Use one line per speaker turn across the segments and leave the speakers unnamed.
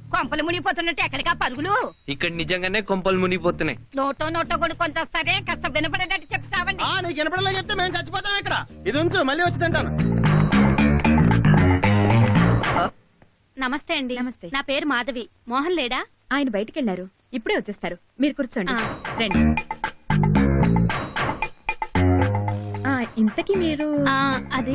కొంపలు మునిగిపోతున్నట్టు ఎక్కడికా పరుగులు?
ఇక్కడ నిజంగానే కొంపలు మునిగిపోతున్నాయి.
నోటో కొనుక్కొని వస్తారే, కాస్త వినపడేటట్టు చెప్తావండి.
నీకు వినపడలే చెప్తే మేము చచ్చిపోతాం ఇక్కడ. ఇది ఉంచు, మళ్ళీ వచ్చి తింటాను.
నమస్తే అండి.
నమస్తే.
నా పేరు మాధవి. మోహన్ లేడా?
ఆయన బయటికి వెళ్ళారు, ఇప్పుడే వచ్చేస్తారు. మీరు కూర్చోండి. రండి. ఇంతకీ మీరు
అది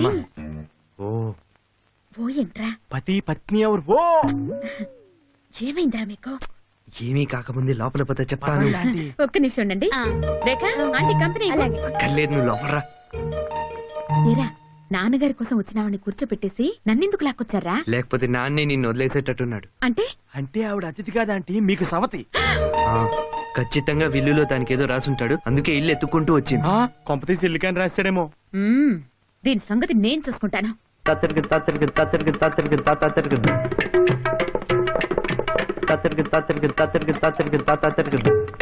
ఓ ఏంట్రా
పతి పత్ని ఎవరు? ఓ
ఏమైందిరా మీకు?
ఏమీ కాకముందే లోపల పోతే చెప్తాను.
ఒక్క నిమిషం ఉండండి. రేఖ ఆంటీ కంపెనీ
అక్కర్లేదు, నువ్వు లోపలరా.
మీరా నాన్నగారి కోసం వచ్చినావని కూర్చోపెట్టేసి నన్నెందుకు లాక్కొచ్చారా?
లేకపోతే నాన్నే నిన్ను వదిలేసేటట్టున్నాడు.
అంటే
అంటే ఆవిడ అతిథి కాదంటే మీకు సవతి.
ఖచ్చితంగా విల్లులో దానికి ఏదో రాసుంటాడు, అందుకే ఇల్లు ఎత్తుకుంటూ వచ్చింది.
కొంపతీసి ఇల్లు కానీ రాశాడేమో.
దీని సంగతి నేను చూసుకుంటాను.
తత్తరికి తత్తరికి తత్తరికి తత్తరికి తత్తరికి తత్తరికి తత్తరికి తత్తరికి తత్తరికి తత్తరికి.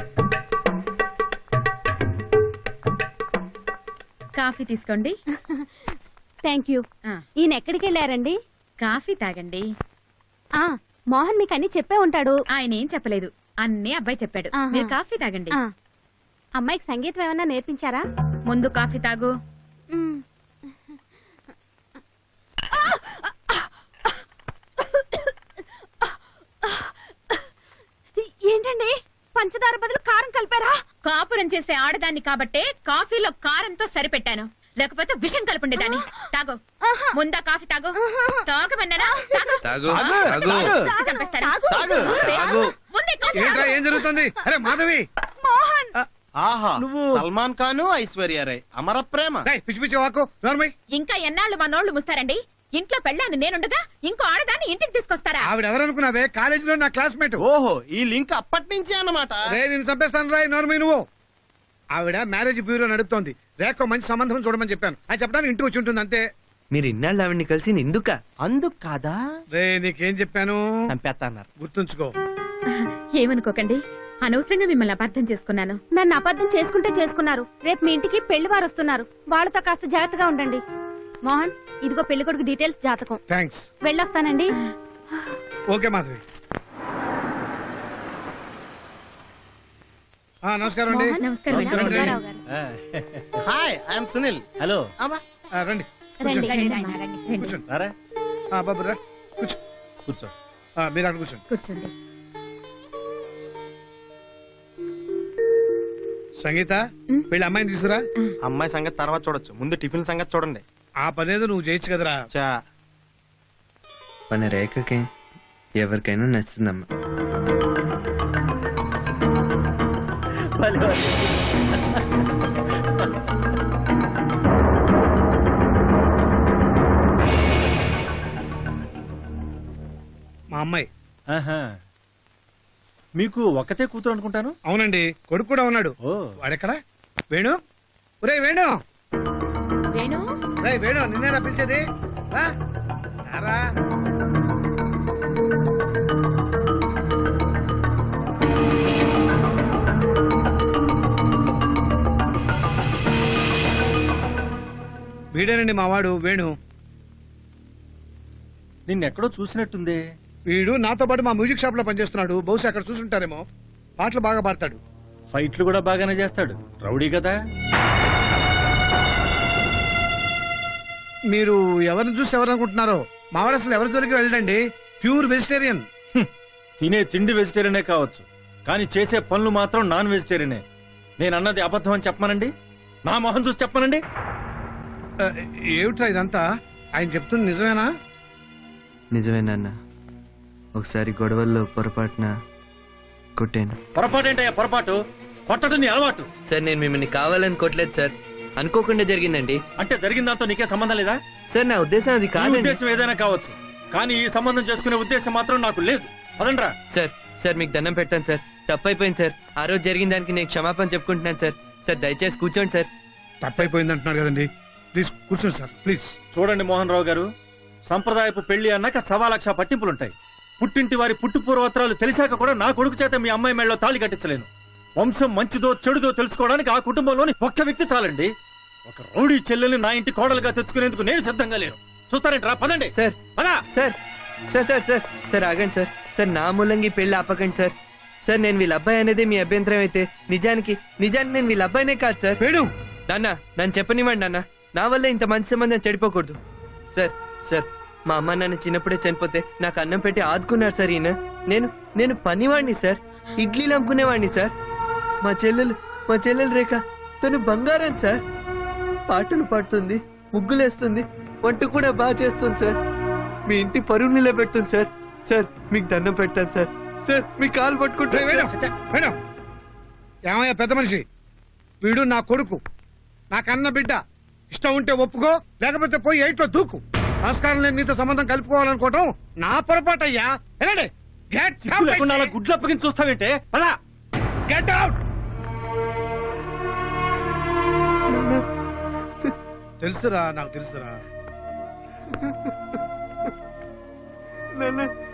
కాఫీ తీసుకోండి.
Thank you. ఈయన ఎక్కడికి వెళ్ళారండి?
కాఫీ తాగండి.
మోహన్ మీకు అన్ని చెప్పే ఉంటాడు.
ఆయన ఏం చెప్పలేదు, అన్నీ అబ్బాయి చెప్పాడు. మీరు కాఫీ తాగండి.
అమ్మాయికి సంగీతం ఏమన్నా నేర్పించారా?
ముందు కాఫీ తాగు.
ఏంటండి, పంచదార బదులు కారం కలిపారా?
కాపురం చేసే ఆడదాన్ని కాబట్టే కాఫీలో కారంతో సరిపెట్టాను, లేకపోతే విషం కలుపుండేదాన్ని. తాగు, ముందా కాఫీ తాగు. తాగమన్నానా?
ఏం జరుగుతుంది? అరే మాధవి,
మోహన్,
ఆహా నువ్వు సల్మాన్ ఖాన్, ఐశ్వర్య రాయ్ అమర ప్రేమ. పిచ్చి పిచ్చి వాకు.
ఇంకా ఎన్నాళ్ళు మా నోళ్లు ముస్తారండి? ఇంట్లో పెళ్ళాను నేనుండగా ఇంకో ఆడదాన్ని ఇంటికి తీసుకొస్తారా?
ఆవిడ ఎవరనుకున్నావే? కాలేజీలో నా క్లాస్మేట్. ఓహో, ఈ లింక్ అప్పటి నుంచి అన్నమాట. నేను చంపేస్తాను రాయ్. నోర్మీ నువ్వు. ఆవిడ మ్యారేజ్ బ్యూరో నడుపుతోంది. రేఖ మంచి సంబంధం చూడమని చెప్పాను. అది చెప్పడానికి ఇంటికి వచ్చి ఉంటుంది అంతే.
మీరు ఇన్నాళ్ళు ఆవిడ్ని కలిసి ఎందుక?
అందుకు కాదా? రే నీకేం చెప్పాను? చంపేస్తాన్నారు, గుర్తుంచుకో.
ఏమనుకోకండి, అనవసరంగా మిమ్మల్ని అపార్థం చేసుకున్నాను.
నన్ను అబద్ధం చేసుకుంటే చేసుకున్నారు. రేపు మీ ఇంటికి పెళ్లి వారు వస్తున్నారు, వాళ్ళతో కాస్త జాగ్రత్తగా ఉండండి. మోహన్, ఇదిగో పెళ్లి కొడుకు డీటెయిల్స్, జాతకం.
థ్యాంక్స్.
వెళ్ళొస్తానండి.
ఓకే మాధవి. నమస్కారం అండి.
నమస్కారం.
Hi, I'm Sunil. హలో. రండి కూర్చోండి. బాబు రా, కూర్చో. కూర్చో. మీరు అక్కడ కూర్చోండి.
కూర్చోండి.
సంగీత, వీళ్ళ అమ్మాయిని తీసుకురా. అమ్మాయి సంగతి తర్వాత చూడొచ్చు, ముందు టిఫిన్ సంగతి చూడండి. ఆ పనేదో నువ్వు చేయొచ్చు కదరా.
మన రేఖకి ఎవరికైనా నచ్చుతుందమ్మా.
మా అమ్మాయి.
మీకు ఒకతే కూతురు అనుకుంటాను.
అవునండి, కొడుకు కూడా ఉన్నాడు. వాడెక్కడా? వేణు, ఒరే వేణు.
వేణు,
రే వేణు, నిన్నేనా పిలిచేది? రా. వీడేనండి మా వాడు వేణు.
నిన్నెక్కడో చూసినట్టుంది.
వీడు నాతో పాటు మా మ్యూజిక్ షాప్ లో పనిచేస్తున్నాడు. బహుశా అక్కడ చూసుంటారేమో. పాటలు బాగా పాడతాడు,
ఫైట్లు కూడా బాగానే చేస్తాడు. రౌడీ కదా.
మీరు ఎవరిని చూసి ఎవరనుకుంటున్నారో? మావాడు అసలు ఎవరి జోలికి వెళ్ళండి. Pure vegetarian.
తినే తిండి వెజిటేరియనే కావచ్చు, కానీ చేసే పనులు మాత్రం నాన్ వెజిటేరియనే. నేను అన్నది అబద్ధం అని చెప్పమనండి, నా మొహం చూసి చెప్పమనండి.
ఏమిట్రా ఇదంతా? ఆయన చెప్తుంది నిజమేనా?
నిజమేనన్నా. ఒకసారి గొడవల్లో పొరపాటున కొట్టాను.
పొరపాటేంటయ్యా? పొరపాటు కొట్టడం నీ అలవాటు.
సార్, నేను మిమ్మల్ని కావాలని కొట్టలేదు సార్, అనుకోకుండా జరిగిందండి.
అంటే జరిగిన దాంతో నీకే సంబంధం లేదా?
సార్, నా ఉద్దేశం అది కాదు.
ఉద్దేశం ఏదైనా కావచ్చు, కానీ ఈ సంబంధం చేసుకునే ఉద్దేశం మాత్రం నాకు లేదు. అదండ్రా.
సార్ మీకు దండం పెట్టాను సార్, తప్పైపోయింది సార్. ఆ రోజు జరిగిన దానికి నేను క్షమాపణ చెప్పుకుంటున్నాను సార్. సార్ దయచేసి కూర్చోండి సార్.
తప్పైపోయింది అంటున్నారు కదండి, ప్లీజ్ కూర్చోండి సార్, ప్లీజ్.
చూడండి మోహన్ రావు గారు, సంప్రదాయపు పెళ్లి అన్నాక 1,00,000 పట్టింపులుంటాయి. పుట్టింటి వారి పుట్టు పూర్వోత్తరాలు తెలిసాక కూడా నా కొడుకు చేత మీ అమ్మాయి మెడలో తాళి కట్టించలేను. వంశం మంచిదో చెడుదో తెలుసుకోవడానికి ఆ కుటుంబంలోని ఒక్క వ్యక్తి చాలండి. ఒక రౌడీ చెల్లెల్ని నా ఇంటి కోడలుగా తెచ్చుకునేందుకు నేను సిద్ధంగా లేను. చూస్తారేంట్రా? పదండి.
సార్,
పదా.
సార్, సార్ సార్ సార్ సార్ ఆగండి సార్ సార్ నా మూలంగా ఈ పెళ్లి ఆపకండి సార్ సార్ నేను వీళ్ళ అబ్బాయి అనేది మీ అభ్యంతరం అయితే నిజానికి నేను వీళ్ళ అబ్బాయినే కాదు సార్
వేణు
నాన్న నన్ను చెప్పనివ్వండి నాన్న నా వల్ల ఇంత మంచి సంబంధం చెడిపోకూడదు సార్ సార్ మా అమ్మ నాన్న చిన్నప్పుడే చనిపోతే నాకు అన్నం పెట్టి ఆదుకున్నారు సార్ ఈయన నేను పనివాడిని సార్ ఇడ్లీలు అమ్ముకునేవాడిని సార్ మా చెల్లెలు రేఖ తను బంగారం సార్ పాటలు పాడుతుంది ముగ్గులేస్తుంది వంట కూడా బాగా చేస్తుంది సార్ మీ ఇంటి పరువు నిలబెడుతుంది సార్ సార్ మీకు దండం పెట్టాను సార్ సార్ మీ కాలు పట్టుకుంటే
వేణు ఏమయ్యా పెద్ద మనిషి వీడు నా కొడుకు నాకన్న బిడ్డ ఇష్టం ఉంటే ఒప్పుకో లేకపోతే పోయి ఎయిట్లో దూకు నమస్కారం నేను నీతో సంబంధం కలుపుకోవాలనుకోవటం నా పొరపాటు అయ్యా వెళ్ళండి
గుడ్లు అప్పగించి చూస్తావేంటే అలా
గెట్ అవుట్ తెలుసురా నాకు తెలుసురా
నాన్న